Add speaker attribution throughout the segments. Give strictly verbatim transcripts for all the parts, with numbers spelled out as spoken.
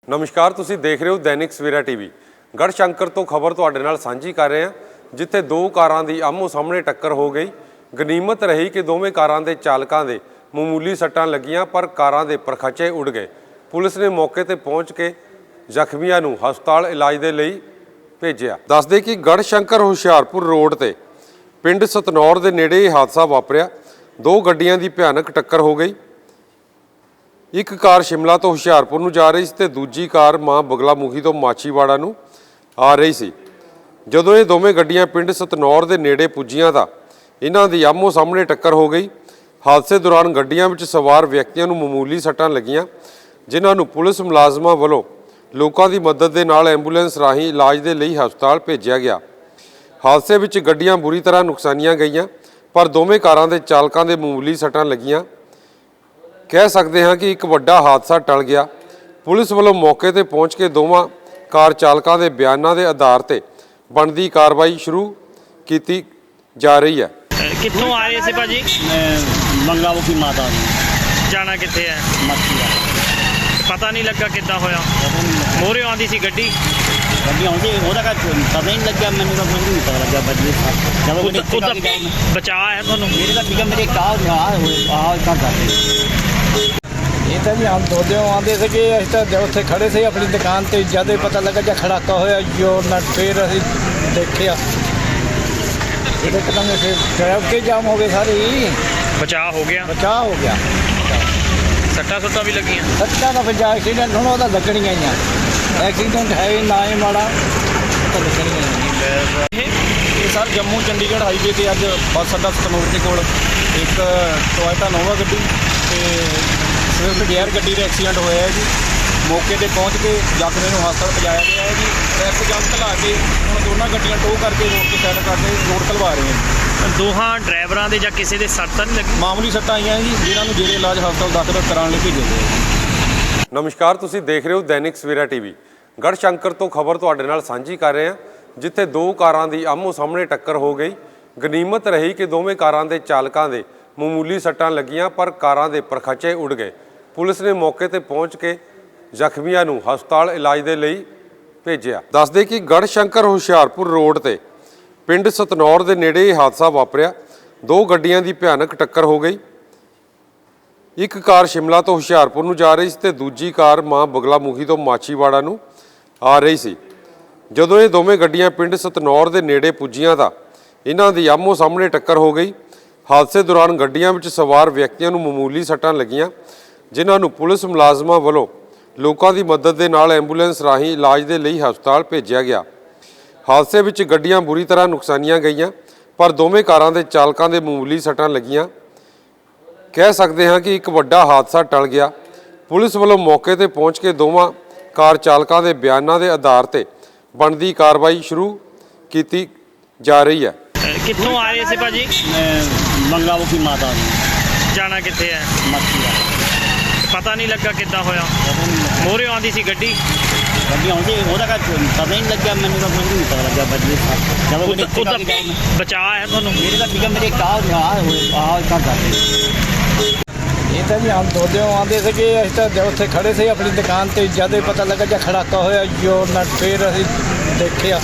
Speaker 1: नमस्कार, तुसी देख रहे हो दैनिक सवेरा टीवी। गढ़शंकर तो खबर तुहाडे नाल सांझी कर रहे हैं, जिथे दो कारां दी आमो सामने टक्कर हो गई। गनीमत रही कि दोवें कारां दे चालकां दे मामूली सट्टां लगियां, पर कारां दे परखचे उड़ गए। पुलिस ने मौके ते पहुंच के ਜ਼ਖਮੀਆਂ ਨੂੰ ਹਸਪਤਾਲ ਇਲਾਜ ਦੇ ਲਈ ਭੇਜਿਆ। ਦੱਸਦੇ ਕਿ ਗੜਸ਼ੰਕਰ ਹੁਸ਼ਿਆਰਪੁਰ ਰੋਡ ਤੇ ਪਿੰਡ ਸਤਨੌਰ ਦੇ ਨੇੜੇ ਇਹ ਹਾਦਸਾ ਵਾਪਰਿਆ। ਦੋ ਗੱਡੀਆਂ ਦੀ ਭਿਆਨਕ ਟੱਕਰ ਹੋ ਗਈ। ਇੱਕ ਕਾਰ ਸ਼ਿਮਲਾ ਤੋਂ ਹੁਸ਼ਿਆਰਪੁਰ ਨੂੰ ਜਾ ਰਹੀ ਸੀ ਤੇ ਦੂਜੀ ਕਾਰ ਮਾਂ ਬਗਲਾਮੁਖੀ ਤੋਂ ਮਾਛੀਵਾੜਾ ਨੂੰ ਆ ਰਹੀ ਸੀ। ਜਦੋਂ ਇਹ ਦੋਵੇਂ ਗੱਡੀਆਂ ਪਿੰਡ ਸਤਨੌਰ ਦੇ ਨੇੜੇ ਪੁੱਜੀਆਂ ਤਾਂ ਇਹਨਾਂ ਦੀ ਆਮੋ ਸਾਹਮਣੇ ਟੱਕਰ ਹੋ ਗਈ। ਹਾਦਸੇ ਦੌਰਾਨ ਗੱਡੀਆਂ ਵਿੱਚ ਸਵਾਰ ਵਿਅਕਤੀਆਂ ਨੂੰ ਮਾਮੂਲੀ ਸੱਟਾਂ ਲੱਗੀਆਂ, ਜਿਨ੍ਹਾਂ ਨੂੰ ਪੁਲਿਸ ਮੁਲਾਜ਼ਮਾਂ ਵੱਲੋਂ ਲੋਕਾਂ ਦੀ ਮਦਦ ਦੇ ਨਾਲ ਐਂਬੂਲੈਂਸ ਰਾਹੀਂ ਇਲਾਜ ਦੇ ਲਈ ਹਸਪਤਾਲ ਭੇਜਿਆ ਗਿਆ। ਹਾਦਸੇ ਵਿੱਚ ਗੱਡੀਆਂ ਬੁਰੀ ਤਰ੍ਹਾਂ ਨੁਕਸਾਨੀਆਂ ਗਈਆਂ, ਪਰ ਦੋਵੇਂ ਕਾਰਾਂ ਦੇ ਚਾਲਕਾਂ ਦੇ ਮਾਮੂਲੀ ਸੱਟਾਂ ਲੱਗੀਆਂ। ਕਹਿ ਸਕਦੇ ਹਾਂ ਕਿ ਇੱਕ ਵੱਡਾ ਹਾਦਸਾ ਟਲ ਗਿਆ। ਪੁਲਿਸ ਵੱਲੋਂ ਮੌਕੇ ਤੇ ਪਹੁੰਚ ਕੇ ਦੋਵਾਂ ਕਾਰ ਚਾਲਕਾਂ ਦੇ ਬਿਆਨਾਂ ਦੇ ਆਧਾਰ ਤੇ ਬਣਦੀ ਕਾਰਵਾਈ ਸ਼ੁਰੂ ਕੀਤੀ ਜਾ ਰਹੀ ਹੈ।
Speaker 2: ਕਿੱਥੋਂ ਆ ਰਹੇ ਸੀ ਭਾਜੀ?
Speaker 3: ਮੰਗਾਮੁਖੀ ਮਾਤਾ ਨੂੰ
Speaker 2: ਜਾਣਾ ਕਿੱਥੇ ਹੈ?
Speaker 3: ਮੱਛੀ ਦਾ
Speaker 2: ਪਤਾ ਨਹੀਂ ਲੱਗਾ ਕਿੱਦਾਂ ਹੋਇਆ। ਮੋਹਰੇ ਆਉਂਦੀ ਸੀ ਗੱਡੀ
Speaker 3: ਗੱਡੀ ਆਉਂਦੀ ਉਹਦਾ ਕਾ ਪਤਾ ਨਹੀਂ ਲੱਗਿਆ, ਮੈਨੂੰ ਤਾਂ ਮੈਨੂੰ ਨਹੀਂ ਪਤਾ ਲੱਗਿਆ ਬੱਜੀ ਜਦੋਂ ਮੇਰੇ
Speaker 2: ਉਹਦਾ ਬਚਾਅ ਹੈ ਤੁਹਾਨੂੰ?
Speaker 3: ਮੇਰੇ ਦਾ ਠੀਕ ਮੇਰੇ ਕਾਹ ਆ ਹੋਏ ਆਹ ਤਾਂ ਕਰਦੇ
Speaker 4: ਇਹ ਤਾਂ ਜੀ ਹਮ ਦੋਦੇ ਆਉਂਦੇ ਸੀਗੇ। ਅਸੀਂ ਤਾਂ ਉੱਥੇ ਖੜੇ ਸੀ ਆਪਣੀ ਦੁਕਾਨ ਤੇ, ਜਦ ਹੀ ਪਤਾ ਲੱਗਾ ਜਾਂ ਖੜਾਕਾ ਹੋਇਆ ਜੋ ਨਾ, ਫਿਰ ਅਸੀਂ ਦੇਖਿਆ ਇਹਦੇ ਕਦਮ ਫਿਰ ਟ੍ਰੈਫਿਕ ਜਾਮ ਹੋ ਗਏ ਸਾਰੇ ਹੀ।
Speaker 2: ਬਚਾਅ ਹੋ ਗਿਆ?
Speaker 4: ਬਚਾਅ ਹੋ ਗਿਆ।
Speaker 2: ਸੱਟਾਂ ਸੁੱਟਾਂ ਵੀ ਲੱਗੀਆਂ?
Speaker 4: ਸੱਟਾਂ ਦਾ ਫਿਰ ਜਾ ਐਕਸੀਡੈਂਟ ਹੁਣ ਉਹਦਾ ਲੱਗਣੀਆਂ ਹੀ ਆ। ਐਕਸੀਡੈਂਟ ਹੈ ਹੀ ਨਾ ਹੀ ਮਾੜਾ ਤਾਂ ਲੱਗਣੀਆਂ ਹੀ।
Speaker 5: ਇਹ ਸਰ ਜੰਮੂ ਚੰਡੀਗੜ੍ਹ ਹਾਈਵੇ ਤੇ ਅੱਜ ਬੱਸ ਅੱਡਾ ਸਤਨੂਰ ਦੇ ਕੋਲ ਇੱਕ ਟੋਇਟਾ ਨੋਵਾ ਗੱਡੀ ਤੇ ਸਵਿਫਟ ਡਿਜ਼ਾਇਰ ਗੱਡੀ ਦਾ ਐਕਸੀਡੈਂਟ ਹੋਇਆ ਹੈ ਜੀ। ਮੌਕੇ ਤੇ ਪਹੁੰਚ ਕੇ ਜ਼ਖਮੀ ਨੂੰ ਹਸਪਤਾਲ ਪਹੁੰਚਾਇਆ ਗਿਆ ਹੈ ਜੀ। ਟ੍ਰੈਫਿਕ ਜਾਮ ਘਲਾ ਕੇ ਹੁਣ ਦੋਨਾਂ ਗੱਡੀਆਂ ਟੋ ਕਰਕੇ ਰੋਡ ਤੇ ਸਾਈਡ ਕਰਕੇ ਰੋਡ ਖਲਵਾ ਰਹੇ ਹਾਂ।
Speaker 2: ਦੋਹਾਂ ਡਰਾਈਵਰਾਂ ਦੇ ਜਾਂ ਕਿਸੇ ਦੇ ਸੱਟ ਤਾਂ ਨਹੀਂ ਲੱਗੀ?
Speaker 5: ਮਾਮੂਲੀ ਸੱਟਾਂ ਆਈਆਂ ਜੀ, ਜਿਨ੍ਹਾਂ ਨੂੰ ਜੇਰੇ ਇਲਾਜ ਹਸਪਤਾਲ ਦਾਖਲ ਕਰਾਉਣ ਲਈ ਭੇਜਿਆ ਗਿਆ ਹੈ।
Speaker 1: ਨਮਸਕਾਰ, ਤੁਸੀਂ ਦੇਖ ਰਹੇ ਹੋ दैनिक सवेरा टीवी। ਗੜਸ਼ੰਕਰ ਤੋਂ ਖਬਰ ਤੁਹਾਡੇ ਨਾਲ ਸਾਂਝੀ ਕਰ ਰਹੇ ਹਾਂ, ਜਿੱਥੇ ਦੋ ਕਾਰਾਂ ਦੀ ਆਮੋ ਸਾਹਮਣੇ ਟੱਕਰ ਹੋ ਗਈ। ਗਨੀਮਤ ਰਹੀ ਕਿ ਦੋਵੇਂ ਕਾਰਾਂ ਦੇ ਚਾਲਕਾਂ ਦੇ ਮਾਮੂਲੀ ਸੱਟਾਂ ਲੱਗੀਆਂ, ਪਰ ਕਾਰਾਂ ਦੇ ਪਰਖਚੇ ਉੜ ਗਏ। ਪੁਲਿਸ ਨੇ ਮੌਕੇ ਤੇ ਪਹੁੰਚ ਕੇ ਜ਼ਖਮੀਆਂ ਨੂੰ ਹਸਪਤਾਲ ਇਲਾਜ ਦੇ ਲਈ ਭੇਜਿਆ। ਦੱਸਦੇ ਕਿ ਗੜਸ਼ੰਕਰ ਹੁਸ਼ਿਆਰਪੁਰ ਰੋਡ ਤੇ ਪਿੰਡ ਸਤਨੌਰ ਦੇ ਨੇੜੇ ਇਹ ਹਾਦਸਾ ਵਾਪਰਿਆ। ਦੋ ਗੱਡੀਆਂ ਦੀ ਭਿਆਨਕ ਟੱਕਰ ਹੋ ਗਈ। ਇੱਕ ਕਾਰ ਸ਼ਿਮਲਾ ਤੋਂ ਹੁਸ਼ਿਆਰਪੁਰ ਨੂੰ ਜਾ ਰਹੀ ਸੀ ਤੇ ਦੂਜੀ ਕਾਰ ਮਾਂ ਬਗਲਾਮੁਖੀ ਤੋਂ ਮਾਛੀਵਾੜਾ ਨੂੰ ਆ ਰਹੀ ਸੀ। ਜਦੋਂ ਇਹ ਦੋਵੇਂ ਗੱਡੀਆਂ ਪਿੰਡ ਸਤਨੌਰ ਦੇ ਨੇੜੇ ਪੁੱਜੀਆਂ ਤਾਂ ਇਹਨਾਂ ਦੀ ਆਮੋ ਸਾਹਮਣੇ ਟੱਕਰ ਹੋ ਗਈ। ਹਾਦਸੇ ਦੌਰਾਨ ਗੱਡੀਆਂ ਵਿੱਚ ਸਵਾਰ ਵਿਅਕਤੀਆਂ ਨੂੰ ਮਾਮੂਲੀ ਸੱਟਾਂ ਲੱਗੀਆਂ, ਜਿਨ੍ਹਾਂ ਨੂੰ ਪੁਲਿਸ ਮੁਲਾਜ਼ਮਾਂ ਵੱਲੋਂ ਲੋਕਾਂ ਦੀ ਮਦਦ ਦੇ ਨਾਲ ਐਂਬੂਲੈਂਸ ਰਾਹੀਂ ਇਲਾਜ ਦੇ ਲਈ ਹਸਪਤਾਲ ਭੇਜਿਆ ਗਿਆ। ਹਾਦਸੇ ਵਿੱਚ ਗੱਡੀਆਂ ਬੁਰੀ ਤਰ੍ਹਾਂ ਨੁਕਸਾਨੀਆਂ ਗਈਆਂ, ਪਰ ਦੋਵੇਂ ਕਾਰਾਂ ਦੇ ਚਾਲਕਾਂ ਦੇ ਮਾਮੂਲੀ ਸੱਟਾਂ ਲੱਗੀਆਂ। ਕਹਿ ਸਕਦੇ ਹਾਂ ਕਿ ਇੱਕ ਵੱਡਾ ਹਾਦਸਾ ਟਲ ਗਿਆ। ਪੁਲਿਸ ਵੱਲੋਂ ਮੌਕੇ ਤੇ ਪਹੁੰਚ ਕੇ ਦੋਵਾਂ ਕਾਰ ਚਾਲਕਾਂ ਦੇ ਬਿਆਨਾਂ ਦੇ ਆਧਾਰ ਤੇ ਬਣਦੀ ਕਾਰਵਾਈ ਸ਼ੁਰੂ ਕੀਤੀ ਜਾ ਰਹੀ ਹੈ।
Speaker 2: ਕਿੱਥੋਂ ਆ ਰਹੇ ਸੀ ਭਾਜੀ?
Speaker 3: ਮੰਗਾਮੁਖੀ ਮਾਤਾ ਨੂੰ
Speaker 2: ਜਾਣਾ ਕਿੱਥੇ ਹੈ?
Speaker 3: ਮੱਛੀ ਦਾ
Speaker 2: ਪਤਾ ਨਹੀਂ ਲੱਗਾ ਕਿੱਦਾਂ ਹੋਇਆ। ਮੋਹਰੇ ਆਉਂਦੀ ਸੀ ਗੱਡੀ
Speaker 3: ਗੱਡੀ ਆਉਂਦੀ ਉਹਦਾ ਕਾ ਪਤਾ ਨਹੀਂ ਲੱਗਿਆ, ਮੈਨੂੰ ਤਾਂ ਮੈਨੂੰ ਨਹੀਂ ਪਤਾ ਲੱਗਿਆ ਬੱਜੀ ਜਦੋਂ ਮੇਰੇ
Speaker 2: ਉਹਦਾ ਬਚਾਅ ਹੈ ਤੁਹਾਨੂੰ?
Speaker 3: ਮੇਰੇ ਦਾ ਠੀਕ ਮੇਰੇ ਕਾਹ ਆ ਹੋਏ ਆਹ ਤਾਂ ਕਰਦੇ
Speaker 4: ਇਹ ਤਾਂ ਜੀ ਹਮ ਦੋਦੇ ਆਉਂਦੇ ਸੀਗੇ। ਅਸੀਂ ਤਾਂ ਉੱਥੇ ਖੜੇ ਸੀ ਆਪਣੀ ਦੁਕਾਨ ਤੇ, ਜਦ ਹੀ ਪਤਾ ਲੱਗਾ ਜਾਂ ਖੜਾਕਾ ਹੋਇਆ ਜੋ ਨਾ, ਫਿਰ ਅਸੀਂ ਦੇਖਿਆ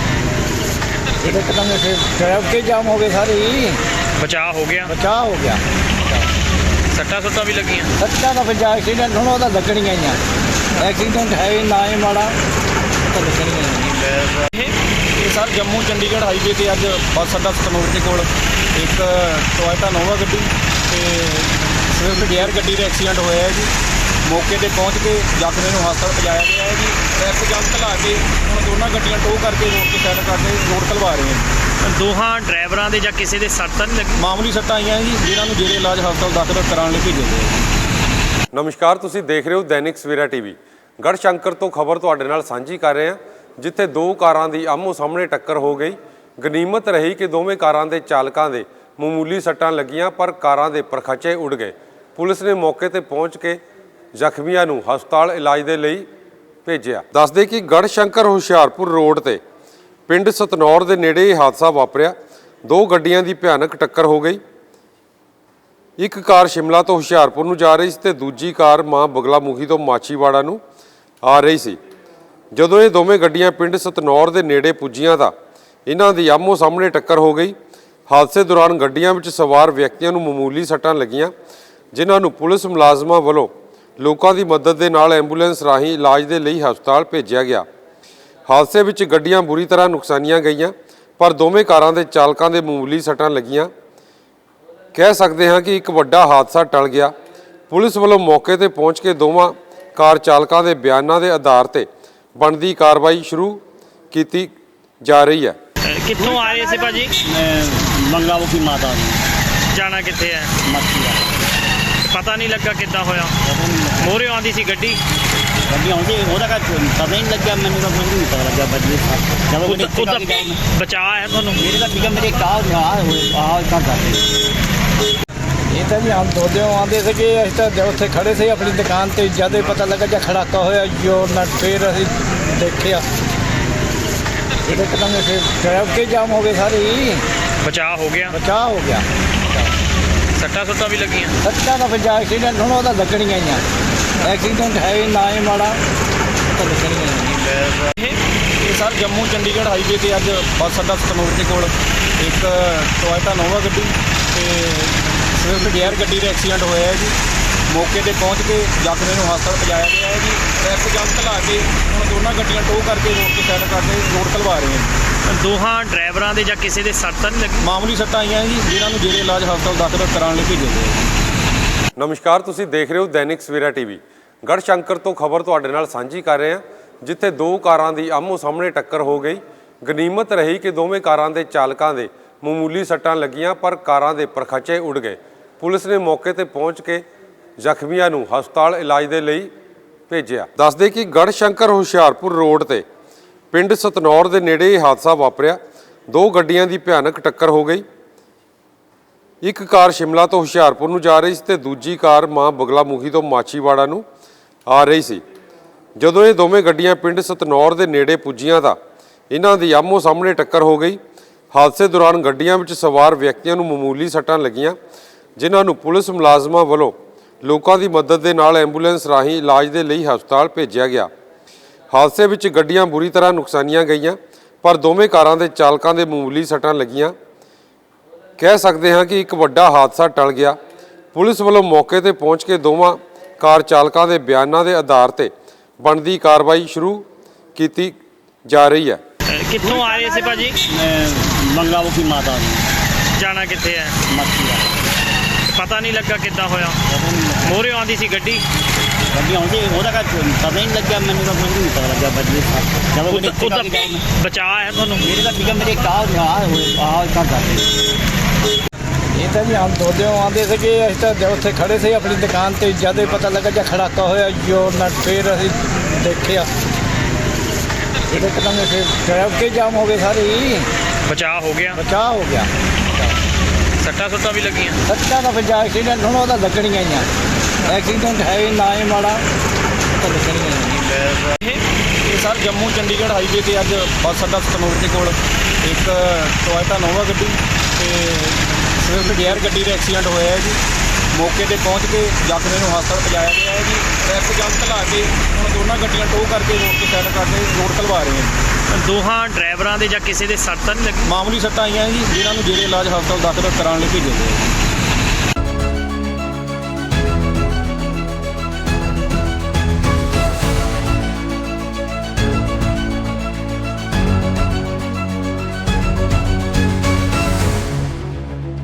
Speaker 4: ਇਹਦੇ ਕਦਮ ਫਿਰ ਟ੍ਰੈਫਿਕ ਜਾਮ ਹੋ ਗਏ ਸਾਰੇ ਹੀ।
Speaker 2: ਬਚਾਅ ਹੋ ਗਿਆ?
Speaker 4: ਬਚਾਅ ਹੋ ਗਿਆ।
Speaker 2: ਸੱਟਾਂ ਸੁੱਟਾਂ ਵੀ ਲੱਗੀਆਂ?
Speaker 4: ਸੱਟਾਂ ਦਾ ਫਿਰ ਜਾ ਐਕਸੀਡੈਂਟ ਹੁਣ ਉਹਦਾ ਲੱਗਣੀਆਂ ਹੀ ਆ। ਐਕਸੀਡੈਂਟ ਹੈ ਹੀ ਨਾ ਹੀ ਮਾੜਾ ਤਾਂ ਲੱਗਣੀਆਂ ਹੀ।
Speaker 5: ਇਹ ਸਰ ਜੰਮੂ ਚੰਡੀਗੜ੍ਹ ਹਾਈਵੇ ਤੇ ਅੱਜ ਬੱਸ ਅੱਡਾ ਸਤਨੂਰ ਦੇ ਕੋਲ ਇੱਕ ਟੋਇਟਾ ਨੋਵਾ ਗੱਡੀ ਤੇ ਸਵਿਫਟ ਡਿਜ਼ਾਇਰ ਗੱਡੀ ਦਾ ਐਕਸੀਡੈਂਟ ਹੋਇਆ ਹੈ ਜੀ। ਮੌਕੇ ਤੇ ਪਹੁੰਚ ਕੇ ਜ਼ਖਮੀ ਨੂੰ ਹਸਪਤਾਲ ਪਹੁੰਚਾਇਆ ਗਿਆ ਹੈ ਜੀ। ਟ੍ਰੈਫਿਕ ਜਾਮ ਘਲਾ ਕੇ ਹੁਣ ਦੋਨਾਂ ਗੱਡੀਆਂ ਟੋ ਕਰਕੇ ਰੋਡ ਤੇ ਸਾਈਡ ਕਰਕੇ ਰੋਡ ਖਲਵਾ ਰਹੇ ਹਾਂ।
Speaker 2: ਦੋਹਾਂ ਡਰਾਈਵਰਾਂ ਦੇ ਜਾਂ ਕਿਸੇ ਦੇ ਸੱਟ ਤਾਂ ਨਹੀਂ ਲੱਗੀ?
Speaker 5: ਮਾਮੂਲੀ ਸੱਟਾਂ ਆਈਆਂ ਜੀ, ਜਿਨ੍ਹਾਂ ਨੂੰ ਜੇਰੇ ਇਲਾਜ ਹਸਪਤਾਲ ਦਾਖਲ ਕਰਾਉਣ ਲਈ ਭੇਜਿਆ ਗਿਆ ਹੈ।
Speaker 1: ਨਮਸਕਾਰ, ਤੁਸੀਂ ਦੇਖ ਰਹੇ ਹੋ दैनिक सवेरा टीवी। ਗੜਸ਼ੰਕਰ ਤੋਂ ਖਬਰ ਤੁਹਾਡੇ ਨਾਲ ਸਾਂਝੀ ਕਰ ਰਹੇ ਹਾਂ, ਜਿੱਥੇ ਦੋ ਕਾਰਾਂ ਦੀ ਆਮੋ ਸਾਹਮਣੇ ਟੱਕਰ ਹੋ ਗਈ। ਗਨੀਮਤ ਰਹੀ ਕਿ ਦੋਵੇਂ ਕਾਰਾਂ ਦੇ ਚਾਲਕਾਂ ਦੇ ਮਾਮੂਲੀ ਸੱਟਾਂ ਲੱਗੀਆਂ, ਪਰ ਕਾਰਾਂ ਦੇ ਪਰਖਚੇ ਉੜ ਗਏ। ਪੁਲਿਸ ਨੇ ਮੌਕੇ ਤੇ ਪਹੁੰਚ ਕੇ ਜ਼ਖਮੀਆਂ ਨੂੰ ਹਸਪਤਾਲ ਇਲਾਜ ਦੇ ਲਈ ਭੇਜਿਆ। ਦੱਸਦੇ ਕਿ ਗੜਸ਼ੰਕਰ ਹੁਸ਼ਿਆਰਪੁਰ ਰੋਡ ਤੇ ਪਿੰਡ ਸਤਨੌਰ ਦੇ ਨੇੜੇ ਇਹ ਹਾਦਸਾ ਵਾਪਰਿਆ। ਦੋ ਗੱਡੀਆਂ ਦੀ ਭਿਆਨਕ ਟੱਕਰ ਹੋ ਗਈ। ਇੱਕ ਕਾਰ ਸ਼ਿਮਲਾ ਤੋਂ ਹੁਸ਼ਿਆਰਪੁਰ ਨੂੰ ਜਾ ਰਹੀ ਸੀ ਤੇ ਦੂਜੀ ਕਾਰ ਮਾਂ ਬਗਲਾਮੁਖੀ ਤੋਂ ਮਾਛੀਵਾੜਾ ਨੂੰ ਆ ਰਹੀ ਸੀ। ਜਦੋਂ ਇਹ ਦੋਵੇਂ ਗੱਡੀਆਂ ਪਿੰਡ ਸਤਨੌਰ ਦੇ ਨੇੜੇ ਪੁੱਜੀਆਂ ਤਾਂ ਇਹਨਾਂ ਦੀ ਆਮੋ ਸਾਹਮਣੇ ਟੱਕਰ ਹੋ ਗਈ। ਹਾਦਸੇ ਦੌਰਾਨ ਗੱਡੀਆਂ ਵਿੱਚ ਸਵਾਰ ਵਿਅਕਤੀਆਂ ਨੂੰ ਮਾਮੂਲੀ ਸੱਟਾਂ ਲੱਗੀਆਂ, ਜਿਨ੍ਹਾਂ ਨੂੰ ਪੁਲਿਸ ਮੁਲਾਜ਼ਮਾਂ ਵੱਲੋਂ ਲੋਕਾਂ ਦੀ ਮਦਦ ਦੇ ਨਾਲ ਐਂਬੂਲੈਂਸ ਰਾਹੀਂ ਇਲਾਜ ਦੇ ਲਈ ਹਸਪਤਾਲ ਭੇਜਿਆ ਗਿਆ। ਹਾਦਸੇ ਵਿੱਚ ਗੱਡੀਆਂ ਬੁਰੀ ਤਰ੍ਹਾਂ ਨੁਕਸਾਨੀਆਂ ਗਈਆਂ, ਪਰ ਦੋਵੇਂ ਕਾਰਾਂ ਦੇ ਚਾਲਕਾਂ ਦੇ ਮਾਮੂਲੀ ਸੱਟਾਂ ਲੱਗੀਆਂ। ਕਹਿ ਸਕਦੇ ਹਾਂ ਕਿ ਇੱਕ ਵੱਡਾ ਹਾਦਸਾ ਟਲ ਗਿਆ। ਪੁਲਿਸ ਵੱਲੋਂ ਮੌਕੇ ਤੇ ਪਹੁੰਚ ਕੇ ਦੋਵਾਂ ਕਾਰ ਚਾਲਕਾਂ ਦੇ ਬਿਆਨਾਂ ਦੇ ਆਧਾਰ ਤੇ ਬਣਦੀ ਕਾਰਵਾਈ ਸ਼ੁਰੂ ਕੀਤੀ ਜਾ ਰਹੀ ਹੈ।
Speaker 2: ਅਹ ਕਿੱਥੋਂ ਆ ਰਹੇ ਸੀ ਭਾਜੀ?
Speaker 3: मैं मंगामुखी माता हूँ
Speaker 2: ਜਾਣਾ ਕਿੱਥੇ ਹੈ?
Speaker 3: मच्छी वाला
Speaker 2: ਪਤਾ ਨਹੀਂ ਲੱਗਾ ਕਿੱਦਾਂ ਹੋਇਆ। ਮੋਰੇ ਆਉਂਦੀ ਸੀ ਗੱਡੀ,
Speaker 3: गड्डी आਉਂਦੀ ਉਹਦਾ ਕਾ ਪਤਾ ਹੀ ਨਹੀਂ ਲੱਗਿਆ, ਮੈਨੂੰ ਤਾਂ ਕੁਝ ਨਹੀਂ ਪਤਾ ਲੱਗਾ ਬਜਲੀ ਜਦੋਂ ਉਹਨੇ
Speaker 2: ਉਹਦਾ ਉਹਦਾ ਬਚਾਅ ਹੈ ਤੁਹਾਨੂੰ?
Speaker 3: ਮੇਰੇ ਤਾਂ ਠੀਕ ਮੇਰੇ ਕਾਹ ਆ ਆ ਕਰ ਕਰਦੇ
Speaker 4: ਇਹ ਤਾਂ ਵੀ ਹਮ ਦੋਦੇ ਆਉਂਦੇ ਸੀਗੇ, ਅਸੀਂ ਤਾਂ ਜਦ ਉੱਥੇ ਖੜੇ ਸੀ ਆਪਣੀ ਦੁਕਾਨ ਤੇ, ਜਦ ਹੀ ਪਤਾ ਲੱਗਾ ਜਾਂ ਖੜਾਕਾ ਹੋਇਆ ਜੋ ਨਾ, ਫਿਰ ਅਸੀਂ ਦੇਖਿਆ ਇਹਦੇ ਕਦਮ ਫਿਰ ਟ੍ਰੈਫਿਕ ਜਾਮ ਹੋ ਗਏ ਸਾਰੇ ਹੀ,
Speaker 2: ਬਚਾਅ ਹੋ ਗਿਆ?
Speaker 4: ਬਚਾਅ ਹੋ ਗਿਆ।
Speaker 2: ਸੱਟਾਂ ਸੁੱਟਾਂ ਵੀ ਲੱਗੀਆਂ?
Speaker 4: ਸੱਚਾ ਤਾਂ ਫਿਰ ਐਕਸੀਡੈਂਟ ਹੁਣ ਉਹਦਾ ਲੱਗਣੀਆਂ ਹੀ ਆ, ਐਕਸੀਡੈਂਟ ਹੈ ਹੀ ਨਾ ਹੀ ਮਾੜਾ, ਤਾਂ ਲੱਗਣੀਆਂ ਹੀ
Speaker 2: ਇਹ
Speaker 5: ਇਹ ਸਰ ਜੰਮੂ ਚੰਡੀਗੜ੍ਹ ਹਾਈਵੇ ਤੇ ਅੱਜ ਬੱਸ ਅੱਡਾ ਸਤਨੂਰ ਦੇ ਕੋਲ ਇੱਕ ਟੋਇਟਾ ਨੋਵਾ ਗੱਡੀ ਤੇ ਸਵਿਫਟ ਡੀਆਰ ਗੱਡੀ ਦਾ ਐਕਸੀਡੈਂਟ ਹੋਇਆ ਹੈ ਜੀ। ਮੌਕੇ ਤੇ ਪਹੁੰਚ ਕੇ ਜ਼ਖਮੀ ਨੂੰ ਹਸਪਤਾਲ ਪਹੁੰਚਾਇਆ ਗਿਆ ਹੈ ਜੀ। ਟ੍ਰੈਫਿਕ ਜਾਮ ਘਲਾ ਕੇ ਹੁਣ ਦੋਨਾਂ ਗੱਡੀਆਂ ਟੋਹ ਕਰਕੇ ਰੋਡ ਤੇ ਸਾਈਡ ਕਰਕੇ ਰੋਡ ਖਲਵਾ ਰਹੇ ਹਾਂ।
Speaker 2: ਦੋਹਾਂ ਡਰਾਈਵਰਾਂ ਦੇ ਜਾਂ ਕਿਸੇ ਦੇ ਸੱਟ ਤਾਂ ਨਹੀਂ ਲੱਗੀ?
Speaker 5: ਮਾਮੂਲੀ ਸੱਟਾਂ ਆਈਆਂ ਜੀ, ਜਿਨ੍ਹਾਂ ਨੂੰ ਜੇਰੇ ਇਲਾਜ ਹਸਪਤਾਲ ਦਾਖਲ ਕਰਾਉਣ ਲਈ ਭੇਜਿਆ ਗਿਆ ਹੈ।
Speaker 1: ਨਮਸਕਾਰ, ਤੁਸੀਂ ਦੇਖ ਰਹੇ ਹੋ ਦੈਨਿਕ ਸਵੇਰਾ ਟੀਵੀ। ਗੜਸ਼ੰਕਰ ਤੋਂ ਖਬਰ ਤੁਹਾਡੇ ਨਾਲ ਸਾਂਝੀ ਕਰ ਰਹੇ ਹਾਂ, ਜਿੱਥੇ ਦੋ ਕਾਰਾਂ ਦੀ ਆਮੋ ਸਾਹਮਣੇ ਟੱਕਰ ਹੋ ਗਈ। ਗਨੀਮਤ ਰਹੀ ਕਿ ਦੋਵੇਂ ਕਾਰਾਂ ਦੇ ਚਾਲਕਾਂ ਦੇ ਮਾਮੂਲੀ ਸੱਟਾਂ ਲੱਗੀਆਂ, ਪਰ ਕਾਰਾਂ ਦੇ ਪਰਖਚੇ ਉੱਡ ਗਏ। ਪੁਲਿਸ ਨੇ ਮੌਕੇ ਤੇ ਪਹੁੰਚ ਕੇ ਜ਼ਖਮੀਆਂ ਨੂੰ ਹਸਪਤਾਲ ਇਲਾਜ ਦੇ ਲਈ ਭੇਜਿਆ। ਦੱਸਦੇ ਕਿ ਗੜਸ਼ੰਕਰ ਹੁਸ਼ਿਆਰਪੁਰ ਰੋਡ ਤੇ ਪਿੰਡ ਸਤਨੌਰ ਦੇ ਨੇੜੇ ਇਹ ਹਾਦਸਾ ਵਾਪਰਿਆ। ਦੋ ਗੱਡੀਆਂ ਦੀ ਭਿਆਨਕ ਟੱਕਰ ਹੋ ਗਈ। ਇੱਕ ਕਾਰ ਸ਼ਿਮਲਾ ਤੋਂ ਹੁਸ਼ਿਆਰਪੁਰ ਨੂੰ ਜਾ ਰਹੀ ਸੀ ਤੇ ਦੂਜੀ ਕਾਰ ਮਾਂ ਬਗਲਾਮੁਖੀ ਤੋਂ ਮਾਛੀਵਾੜਾ ਨੂੰ ਆ ਰਹੀ ਸੀ। ਜਦੋਂ ਇਹ ਦੋਵੇਂ ਗੱਡੀਆਂ ਪਿੰਡ ਸਤਨੌਰ ਦੇ ਨੇੜੇ ਪੁੱਜੀਆਂ ਤਾਂ ਇਹਨਾਂ ਦੀ ਆਮੋ ਸਾਹਮਣੇ ਟੱਕਰ ਹੋ ਗਈ। ਹਾਦਸੇ ਦੌਰਾਨ ਗੱਡੀਆਂ ਵਿੱਚ ਸਵਾਰ ਵਿਅਕਤੀਆਂ ਨੂੰ ਮਾਮੂਲੀ ਸੱਟਾਂ ਲੱਗੀਆਂ, ਜਿਨ੍ਹਾਂ ਨੂੰ ਪੁਲਿਸ ਮੁਲਾਜ਼ਮਾਂ ਵੱਲੋਂ ਲੋਕਾਂ ਦੀ ਮਦਦ ਦੇ ਨਾਲ ਐਂਬੂਲੈਂਸ ਰਾਹੀਂ ਇਲਾਜ ਦੇ ਲਈ ਹਸਪਤਾਲ ਭੇਜਿਆ ਗਿਆ। ਹਾਦਸੇ ਵਿੱਚ ਗੱਡੀਆਂ ਬੁਰੀ ਤਰ੍ਹਾਂ ਨੁਕਸਾਨੀਆਂ ਗਈਆਂ, ਪਰ ਦੋਵੇਂ ਕਾਰਾਂ ਦੇ ਚਾਲਕਾਂ ਦੇ ਮਾਮੂਲੀ ਸੱਟਾਂ ਲੱਗੀਆਂ। ਕਹਿ ਸਕਦੇ ਹਾਂ ਕਿ ਇੱਕ ਵੱਡਾ ਹਾਦਸਾ ਟਲ ਗਿਆ। ਪੁਲਿਸ ਵੱਲੋਂ ਮੌਕੇ ਤੇ ਪਹੁੰਚ ਕੇ ਦੋਵਾਂ ਕਾਰ ਚਾਲਕਾਂ ਦੇ ਬਿਆਨਾਂ ਦੇ ਆਧਾਰ ਤੇ ਬਣਦੀ ਕਾਰਵਾਈ ਸ਼ੁਰੂ ਕੀਤੀ ਜਾ ਰਹੀ ਹੈ।
Speaker 2: ਅਹ ਕਿੱਥੋਂ ਆ ਰਹੇ ਸੀ ਭਾਜੀ?
Speaker 3: मैं मंगामुखी माता हूँ
Speaker 2: ਜਾਣਾ ਕਿੱਥੇ ਹੈ?
Speaker 3: मच्छी वाला
Speaker 2: ਪਤਾ ਨਹੀਂ ਲੱਗਾ ਕਿੱਦਾਂ ਹੋਇਆ। ਮੋਰੇ ਆਉਂਦੀ ਸੀ ਗੱਡੀ,
Speaker 3: ਗੱਡੀ ਆਉਂਦੀ ਉਹਦਾ ਕਾ ਪਤਾ ਹੀ ਨਹੀਂ ਲੱਗਿਆ, ਮੈਨੂੰ ਤਾਂ ਕੁਝ ਨਹੀਂ ਪਤਾ ਲੱਗਾ ਬਜਲੀ ਜਦੋਂ ਉਹਨੇ
Speaker 2: ਉਹਦਾ ਉਹਦਾ ਬਚਾਅ ਹੈ ਤੁਹਾਨੂੰ?
Speaker 3: ਮੇਰੇ ਤਾਂ ਠੀਕ ਮੇਰੇ ਕਾਹ ਆ ਆ ਕਰ ਕਰਦੇ
Speaker 4: ਇਹ ਤਾਂ ਵੀ ਹਮ ਦੋਦੇ ਆਉਂਦੇ ਸੀਗੇ, ਅਸੀਂ ਤਾਂ ਜਦ ਉੱਥੇ ਖੜੇ ਸੀ ਆਪਣੀ ਦੁਕਾਨ ਤੇ, ਜਦ ਹੀ ਪਤਾ ਲੱਗਾ ਜਾਂ ਖੜਾਕਾ ਹੋਇਆ ਜੋ ਨਾ, ਫਿਰ ਅਸੀਂ ਦੇਖਿਆ ਇਹਦੇ ਕਦਮ ਫਿਰ ਟ੍ਰੈਫਿਕ ਜਾਮ ਹੋ ਗਏ ਸਾਰੇ ਹੀ,
Speaker 2: ਬਚਾਅ ਹੋ ਗਿਆ?
Speaker 4: ਬਚਾਅ ਹੋ ਗਿਆ।
Speaker 2: ਸੱਟਾਂ ਸੁੱਟਾਂ ਵੀ ਲੱਗੀਆਂ?
Speaker 4: ਸੱਚਾ ਤਾਂ ਫਿਰ ਐਕਸੀਡੈਂਟ ਹੁਣ ਉਹਦਾ ਲੱਗਣੀਆਂ ਹੀ ਆ, ਐਕਸੀਡੈਂਟ ਹੈ ਹੀ ਨਾ ਹੀ ਮਾੜਾ, ਤਾਂ ਲੱਗਣੀਆਂ ਹੀ
Speaker 2: ਇਹ
Speaker 5: ਇਹ ਸਰ ਜੰਮੂ ਚੰਡੀਗੜ੍ਹ ਹਾਈਵੇ ਤੇ ਅੱਜ ਬੱਸ ਅੱਡਾ ਸਤਨੂਰ ਦੇ ਕੋਲ ਇੱਕ ਟੋਇਟਾ ਨੋਵਾ ਗੱਡੀ ਤੇ ਸਵਿਫਟ ਡੀਆਰ ਗੱਡੀ ਦਾ ਐਕਸੀਡੈਂਟ ਹੋਇਆ ਹੈ ਜੀ। ਮੌਕੇ ਤੇ ਪਹੁੰਚ ਕੇ ਜ਼ਖਮੀ ਨੂੰ ਹਸਪਤਾਲ ਪਹੁੰਚਾਇਆ ਗਿਆ ਹੈ ਜੀ। ਟ੍ਰੈਫਿਕ ਜਾਮ ਘਲਾ ਕੇ ਹੁਣ ਦੋਨਾਂ ਗੱਡੀਆਂ ਟੋਹ ਕਰਕੇ ਰੋਡ ਤੇ ਸਾਈਡ ਕਰਕੇ ਰੋਡ ਖਲਵਾ ਰਹੇ ਹਾਂ।
Speaker 2: ਦੋਹਾਂ ਡਰਾਈਵਰਾਂ ਦੇ ਜਾਂ ਕਿਸੇ ਦੇ ਸੱਟ ਤਾਂ ਨਹੀਂ ਲੱਗੀ?
Speaker 5: ਮਾਮੂਲੀ ਸੱਟਾਂ ਆਈਆਂ ਜੀ, ਜਿਨ੍ਹਾਂ ਨੂੰ ਜੇਰੇ ਇਲਾਜ ਹਸਪਤਾਲ ਦਾਖਲ ਕਰਾਉਣ ਲਈ ਭੇਜਿਆ ਗਿਆ ਹੈ।